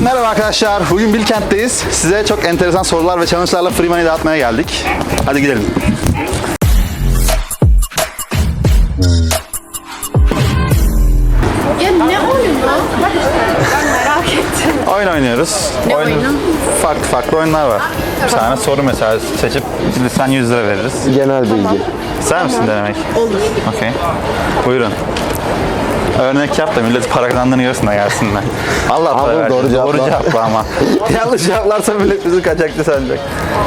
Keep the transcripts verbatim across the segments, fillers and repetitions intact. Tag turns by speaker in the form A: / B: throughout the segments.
A: Merhaba arkadaşlar, bugün Bilkent'teyiz. Size çok enteresan sorular ve challenge'larla free money dağıtmaya geldik. Hadi gidelim.
B: Ya ne oyunu? Ben merak ettim.
A: Oyun oynuyoruz.
B: Ne
A: Oyun-
B: oyunu?
A: Farklı farklı oyunlar var. Bir tane soru mesela seçip bilirsen yüz lira veririz.
C: Genel bilgi.
A: İster misin denemek?
B: Olur.
A: Okey. Buyurun. Örnek yap da millet para kazandığını görsün de gelsinler. Allah para
C: Ama
A: versin.
C: doğru cevaplar.
A: Doğru cevapla ama. Yanlış cevaplarsa millet bizi kaçakçı sanacak.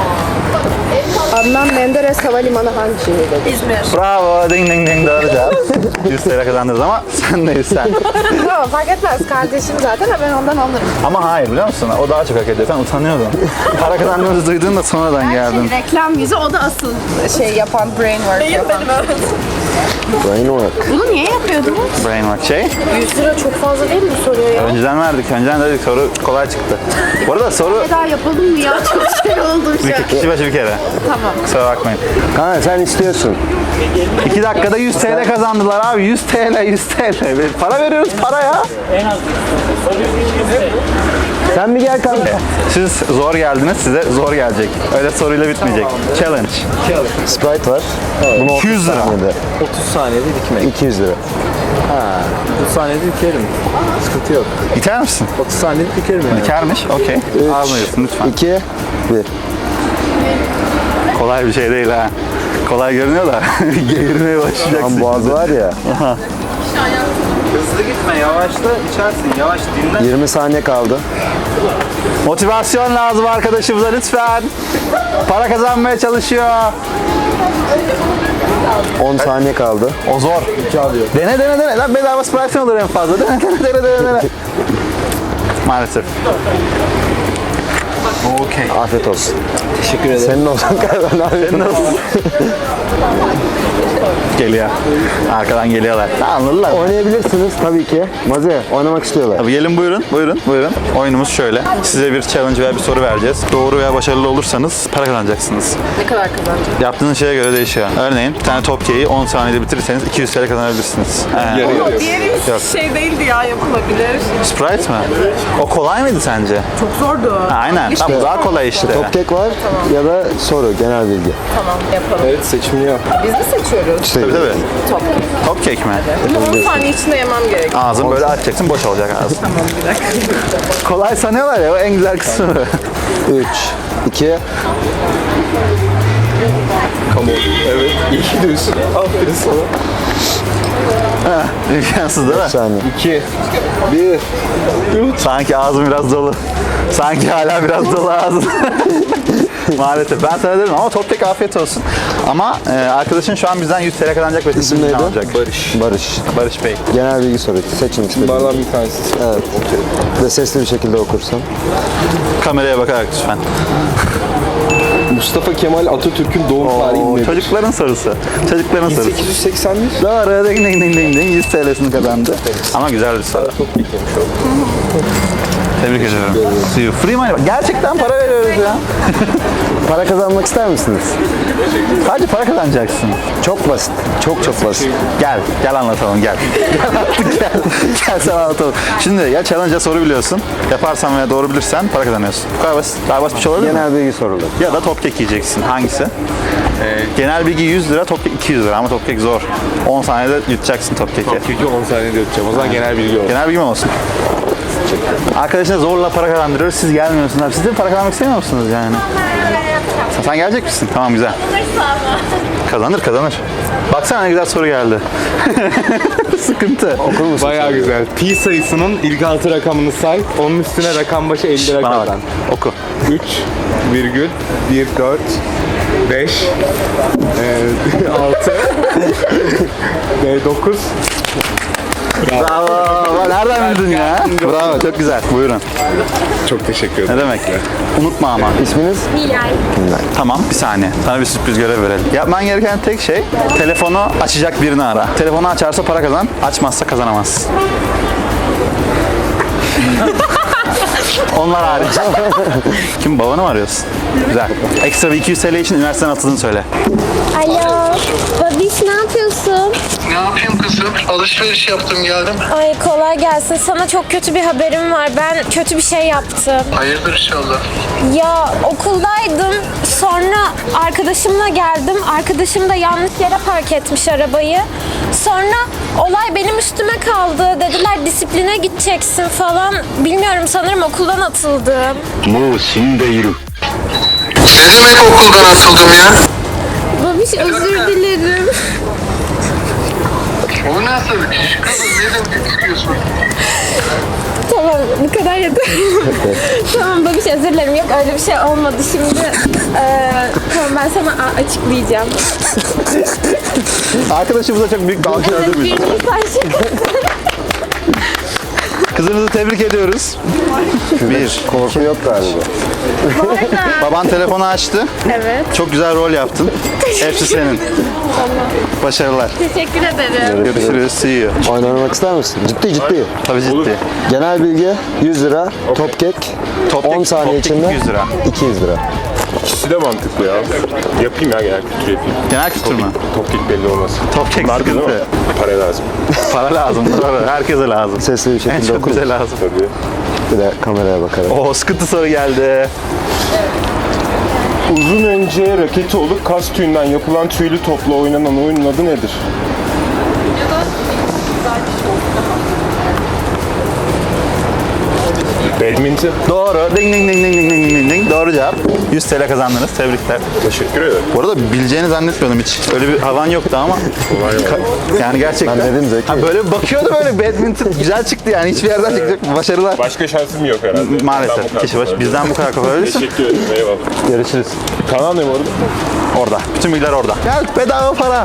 D: Adnan Menderes Havalimanı hangi şehirde?
B: İzmir.
A: Bravo, ding ding ding, doğru cevap. yüz lira kazandınız ama sen de sen.
D: Tamam fark etmez. Kardeşim zaten ben ondan alırım.
A: Ama hayır biliyor musun? O daha çok hak ediyor. Sen utanıyordun. Para kazandığımızı duyduğunda sonradan geldin.
D: Reklam yüzü o da asıl şey yapan, brain work yapan.
C: Brain work.
D: Bunu niye yapıyordunuz?
A: Brain work şey.
D: yüz lira çok fazla değil mi bu soruya ya?
A: Önceden verdik. Önceden dedik soru kolay çıktı. Bu arada soru
D: Bir daha yapalım mı ya? Çok şey oldu şu an.
A: bir kişi başı bir kere.
D: Tamam.
A: Kusura bakmayın.
C: Kanka sen istiyorsun.
A: iki dakikada yüz TL kazandılar abi. yüz TL, yüz TL. Para veriyoruz para ya.
C: Sen mi gel kanka?
A: Siz zor geldiniz, size zor gelecek. Öyle soruyla bitmeyecek. Challenge.
C: Sprite var. Bunu
A: iki yüz lira.
C: saniyede.
E: otuz saniyede dikmek.
C: iki yüz lira.
E: otuz saniyede dikerim. Sıkıntı yok.
A: İter misin?
E: otuz saniyede dikerim yani.
A: İtermiş. Okey. Almıyorsun lütfen.
C: iki, bir.
A: Kolay bir şey değil ha. Kolay görünüyor da geğirmeye başlayacaksın.
C: Tam boğaz var ya.
E: Hızlı gitme, yavaşla içersin. Yavaş dinle.
C: yirmi saniye kaldı.
A: Motivasyon lazım arkadaşımıza lütfen. Para kazanmaya çalışıyor.
C: on saniye kaldı.
A: O zor. Dene dene dene. Lan bedava Sprite olur en fazla. Dene dene dene dene dene. Maalesef. Okey.
C: Afiyet olsun.
E: Teşekkür ederim.
C: Senin olsun kanka.
A: Senin nasıl? Geliyor. Arkadan geliyorlar. Anladılar.
C: Oynayabilirsiniz tabii ki. Maze oynamak istiyorlar.
A: Abi gelin buyurun, buyurun, buyurun. Oyunumuz şöyle. Size bir challenge veya bir soru vereceğiz. Doğru veya başarılı olursanız para kazanacaksınız.
D: Ne kadar kazanacağım?
A: Yaptığınız şeye göre değişiyor. Örneğin bir tane top keyi on saniyede bitirirseniz iki yüz TL kazanabilirsiniz. Ee,
D: Diğeri
A: Yok.
D: şey değildi ya, yapılabilir.
A: Sprite mi? O kolay mıydı sence?
D: Çok zordu.
A: Ha, aynen. Tamam, bu daha kolay işte.
C: Top kek var ya da soru, genel bilgi.
D: Tamam yapalım.
E: Evet, seçimini yap.
D: Biz mi seçiyoruz?
C: İşte
A: Tabii tabii.
D: Top.
A: Top kek mi?
D: Bunu on saniye içinde yemem gerek.
A: Ağzını böyle açacaksın, boş olacak ağzın.
D: Tamam bir dakika.
A: Kolay sanıyorlar ya, o en güzel kısmı.
C: üç, iki,
E: Come on. Evet. İyi gidiyorsun. Aferin sana.
A: İmkansız değil mi?
C: saniye.
E: iki, bir.
A: Sanki ağzım biraz dolu. Sanki hala biraz dolu ağzım. Maalesef. Ben sana dedim ama top tek afiyet olsun. Ama e, arkadaşın şu an bizden yüz TL kazanacak ve
C: İsim
A: sizin
C: neydi?
A: alacak.
E: Barış.
C: Barış.
A: Barış Bey.
C: Genel bilgi sorusu. Seçin istediğiniz.
E: Bardan bir tanesi.
C: Evet. Ve sesli bir şekilde okursan.
A: Kameraya bakarak lütfen.
E: Mustafa Kemal Atatürk'ün doğum tarihi
A: Oo,
E: nedir?
A: çocukların sorusu. Çocukların
E: bin
A: sorusu.
E: sekiz yüz seksen bir.
A: Doğru. Ding ding ding ding ding. yüz TL'sini kazandı. Ama güzel bir soru.
E: Çok beklemiş oldum.
A: Tebrik ediyorum. See you. Free money. Gerçekten para veriyoruz ya.
C: Para kazanmak ister misiniz?
A: Sadece para kazanacaksın.
C: Çok basit. Çok çok basit.
A: Gel, gel anlatalım gel. Gel artık gel. Gel sana anlatalım. Şimdi ya challenge'a soru biliyorsun. Yaparsan veya doğru bilirsen para kazanıyorsun. Bu kadar basit. Daha basit bir şey olabilir mi?
C: Genel bilgi soruları.
A: Ya da top kek yiyeceksin. Hangisi? Ee, genel bilgi yüz lira, top kek iki yüz lira ama top kek zor. on saniyede yutacaksın top keki.
E: Çünkü on saniyede yapacağım. O zaman genel bilgi olur.
A: Genel bilgi mi olsun? Arkadaşına zorla para kazandırıyoruz. Siz gelmiyorsunuz. Siz de para kazanmak istemiyor musunuz yani? Sen, sen gelecek misin? Tamam güzel. Kazanır kazanır. Baksana ne güzel soru geldi. Sıkıntı.
C: Okur musun?
E: Bayağı güzel. Pi sayısının ilk altı rakamını say. Onun üstüne rakam başı elli lira
A: Bana bak.
E: kazan.
A: Oku.
E: üç virgül bir dört beş altı dokuz.
A: Bravo. Nereden bildin ya? Bravo. Çok güzel. Buyurun.
E: Çok teşekkür ederim.
A: Ne demek? Unutma ama.
C: İsminiz?
A: Tamam bir saniye. Sana bir sürpriz görev verelim. Yapman gereken tek şey telefonu açacak birini ara. Telefonu açarsa para kazan. Açmazsa kazanamaz. Onlar hariç. Kim? Babanı mı arıyorsun? Güzel. Ekstra bir iki yüz TL için üniversiteden atıldığını söyle.
F: Alo, baba Bebiş ne yapıyorsun?
G: Ne yapayım kızım? Alışveriş yaptım geldim.
F: Ay kolay gelsin. Sana çok kötü bir haberim var. Ben kötü bir şey yaptım.
G: Hayırdır inşallah.
F: Ya okuldaydım. Sonra arkadaşımla geldim. Arkadaşım da yanlış yere park etmiş arabayı. Sonra olay benim üstüme kaldı. Dediler disipline gideceksin falan. Bilmiyorum, sanırım okuldan atıldım.
G: Ne demek okuldan atıldım ya?
F: Babiş özür dilerim.
G: O nasıl bir iş kızım? Ne demek istiyorsun?
F: Tamam, bu kadar yeter. Tamam babiş, özür dilerim. Yok öyle bir şey olmadı. Şimdi eee tamam, ben sana a- açıklayacağım.
A: Arkadaşımıza çok büyük bir alkış
F: Evet,
A: ödül müyüz?
F: bir şaka.
A: Kızınızı tebrik ediyoruz. Bir.
C: Korku yok galiba.
A: Baban telefonu açtı.
F: Evet.
A: Çok güzel rol yaptın. Hepsi senin. Başarılar.
F: Teşekkür ederim.
A: Görüşürüz. See you.
C: Oyun oynamak ister misin? Ciddi ciddi.
A: Tabii ciddi.
C: Genel bilgi yüz lira. Top kek
A: Top
C: on
A: kek-
C: saniye
A: top kek
C: içinde
A: yüz lira.
C: iki yüz lira.
H: İkisi de mantıklı ya. Yapayım ya genel kültür yapayım.
A: Genel kültür mü?
H: Top kick belli olmaz.
A: Top kek
H: Marka değil mi?
A: sıkıntı.
H: Para lazım.
A: Para lazım. Doğru. Herkese lazım.
C: Sesli bir
A: En
C: şekilde
A: çok
C: oku.
A: bize lazım.
H: Tabii.
C: Bir de kameraya bakarak.
A: Oo, sıkıntı soru geldi.
H: Uzun önce raketi olup kas tüyünden yapılan tüylü topla oynanan oyunun adı nedir? Badminton.
A: Doğru. Ding ding ding ding ding ding ding ding. Doğru cevap. yüz T L kazandınız. Tebrikler.
H: Teşekkür ederim.
A: Bu arada bileceğini zannetmiyordum hiç. Öyle bir havan yoktu ama. Ka- yani gerçekten.
C: Ben dedim Zeki.
A: Ha, böyle bir bakıyordu, böyle badminton güzel çıktı yani. Hiçbir yerden çıkacak. Başarılar.
H: Başka şansım yok herhalde. Bizden bu
A: Maalesef.
H: kadar
A: Kişi başı
H: kolay.
A: bizden bu kadar kopabilirsin.
H: Teşekkür ederim. Eyvallah.
A: Görüşürüz.
H: Kanal ne bu arada?
A: Orada. Bütün bilgiler orada. Gel, bedava para.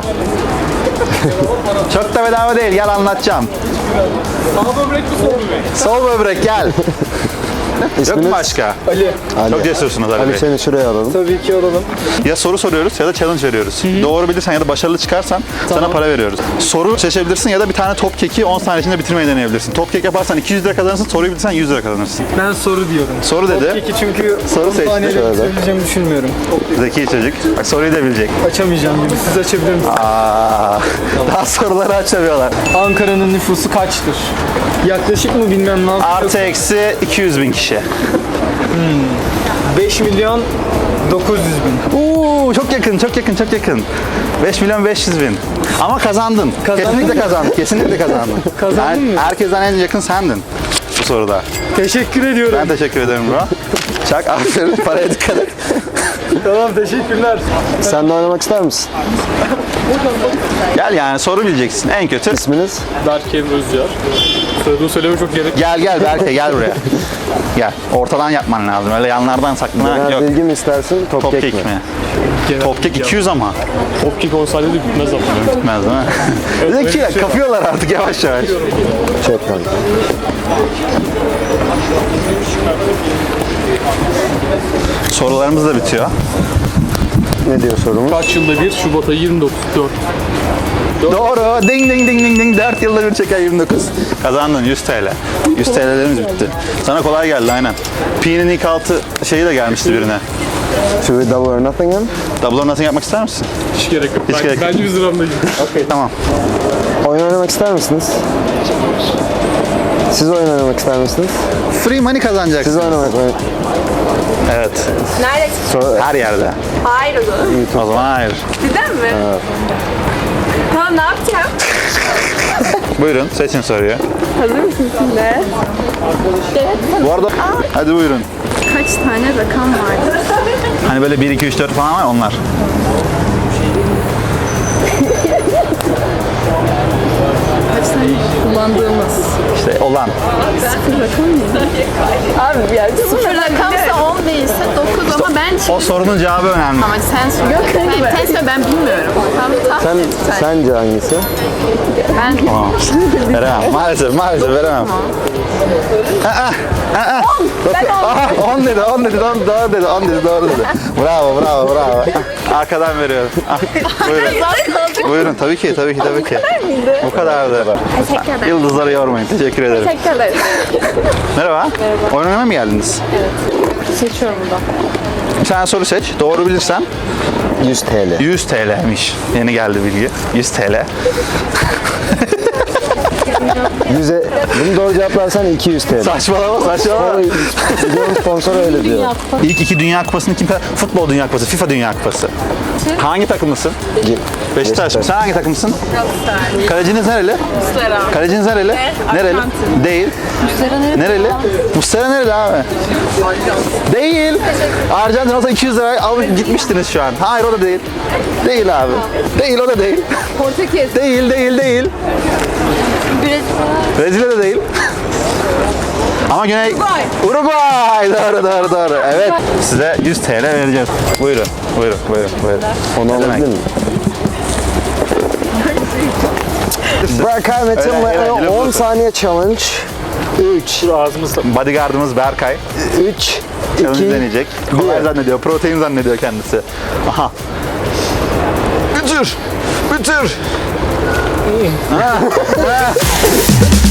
A: Çok da bedava değil. Gel anlatacağım. Sağ böbrek mi sol böbrek? Sol böbrek gel. Yok
C: İsminiz?
A: mu başka?
C: Ali.
A: Çok cesursunuz Ali
C: Ali
A: Bey.
C: seni şuraya alalım.
E: Tabii ki alalım.
A: Ya soru soruyoruz ya da challenge veriyoruz. Doğru bilirsen ya da başarılı çıkarsan sana para veriyoruz. Soru seçebilirsin ya da bir tane top keki on saniye içinde bitirmeyi deneyebilirsin. Top kek yaparsan iki yüz lira kazanırsın, soruyu bilirsen yüz lira kazanırsın.
E: Ben soru diyorum.
A: Soru dedi.
E: Peki çünkü
A: Soru seçti.
E: saniyeyle
C: Şöyle.
E: söyleyeceğimi düşünmüyorum.
A: Zeki çocuk. Bak soruyu da bilecek.
E: Açamayacağım gibi. Siz açabilir misiniz?
A: Aa, daha soruları açamıyorlar.
E: Ankara'nın nüfusu kaçtır? Yaklaşık mı bilmem ne yapıyor.
A: Artı eksi iki yüz bin kişi.
E: beş milyon dokuz yüz bin.
A: Uuu çok yakın, çok yakın, çok yakın. beş milyon beş yüz bin. Ama kazandın.
E: Kazandın
A: Kesinlikle
E: mı?
A: kazandın. Kesinlikle kazandın.
E: Kazandın
A: Yani
E: mı?
A: herkesten en yakın sendin bu soruda.
E: Teşekkür ediyorum.
A: Ben teşekkür ederim bro. Çak, aferin. Paraya dikkat et.
E: Tamam, teşekkürler.
C: Sen de oynamak ister misin?
A: Gel yani soru bileceksin. En kötü.
C: İsminiz?
I: Berke Özcar. Soyadını söyleme çok gerek.
A: Gel gel Berke gel buraya. Gel. Ortadan yapman lazım. Öyle yanlardan saklına
C: Genel
A: yok.
C: bilgi mi istersin? Top,
A: Top
C: kek,
A: kek
C: mi?
A: mi? Top kek iki yüz ama.
I: Top kick on saniyede bitmez ama.
A: Bitmez değil mi? Zeki kapıyorlar artık yavaş yavaş.
C: Çek kanka.
A: Sorularımız da bitiyor.
C: Ne diyor sorumuz?
I: Kaç yılda bir? Şubat ayı yirmi dokuz. dört.
A: Doğru. Ding ding ding ding ding. dört yılda bir çeker yirmi dokuz. Kazandın yüz T L. yüz T L'lerimiz bitti. Sana kolay geldi aynen. Pi'nin ilk altı şeyi de gelmişti birine.
C: Should we double or nothing him?
A: Double or nothing yapmak ister misin?
I: Hiç gerek yok.
A: Hiç
I: Ben-
A: gerek yok.
I: Bence yüz liramda gibi.
A: Tamam.
C: Oyun oynamak ister misiniz? Siz oyun oynamak ister misiniz?
A: Free money
C: Siz
A: kazanacaksın.
C: oynamak
A: Evet.
D: Nerede?
C: Sonra
A: Her yerde.
D: Hayır o zaman.
A: O zaman hayır.
D: Cidden mi? Tamam, ne yapacağım?
A: Buyurun seçin soruyu.
D: Hazır mısın şimdi?
A: Bu arada hadi buyurun.
D: Kaç tane rakam vardı?
A: Hani böyle bir, iki, üç, dört falan var onlar.
D: Kaç tane kullandığımız?
A: İşte olan.
D: Abi ya sıfır rakamsa on değilse dokuz ama ben
A: O sorunun cevabı önemli.
D: ama sen söyle. Yok kanka ben, sen söyle, ben bilmiyorum. Tamam, tahmin
C: sen,
D: et sen.
C: sence hangisi?
D: Ben
A: Tamam. Veremem. Maalesef, maalesef veremem. Aa, aa. Aha, on dedi, on dedi, on, doğru dedi, on dedi, doğru dedi. Bravo, bravo, bravo. Arkadan veriyorum. Ah, buyurun. Buyurun, tabii ki, tabii ki, tabii ki. Bu kadardı.
D: teşekkür ederim.
A: Yıldızları yormayın, teşekkür ederim.
D: Teşekkür ederim.
A: Merhaba. Oyun oynamaya mı geldiniz? Evet.
D: Seçiyorum buradan.
A: Bir tane soru seç. Doğru bilirsen
C: yüz T L.
A: yüz T L'miş. Yeni geldi bilgi. yüz T L.
C: yüze, bunu doğru cevaplarsan iki yüz T L.
A: Saçmalama saçmalama.
C: Videonun sponsoru öyle diyor.
A: İlk iki Dünya Kupası'nı kim kazandı? Futbol Dünya Kupası, FIFA Dünya Kupası. Hangi takımlısın?
C: Ge-
A: Beşiktaş mı? Sen hangi takımsın? Kaleciniz nereli?
D: Muslera.
A: Kaleciniz nereli? Nereli? Değil. Nereli? Muslera nereli abi? Değil. Arjantin olsa iki yüz lira alıp gitmiştiniz şu an. Hayır o da değil. Değil abi. Değil o da değil.
D: Portekiz.
A: Değil değil değil. Brezilya'da değil. Ama Güney...
D: Uruguay.
A: Uruguay. Doğru doğru doğru. Evet. Size yüz T L vereceğiz. Buyurun. Buyurun. Buyurun. Buyurun.
C: Onu
A: Ne demek?
C: alabilir miyim? Berkay Metin
A: Öyle, öyle, öyle
C: on
A: bulursun.
C: saniye challenge. üç,
A: Bodyguardımız Berkay.
C: üç,
A: Challenge
C: iki,
A: deneyecek. Kolay zannediyor. Protein zannediyor kendisi. Aha. Bitir. Bitir. Ha. Ha.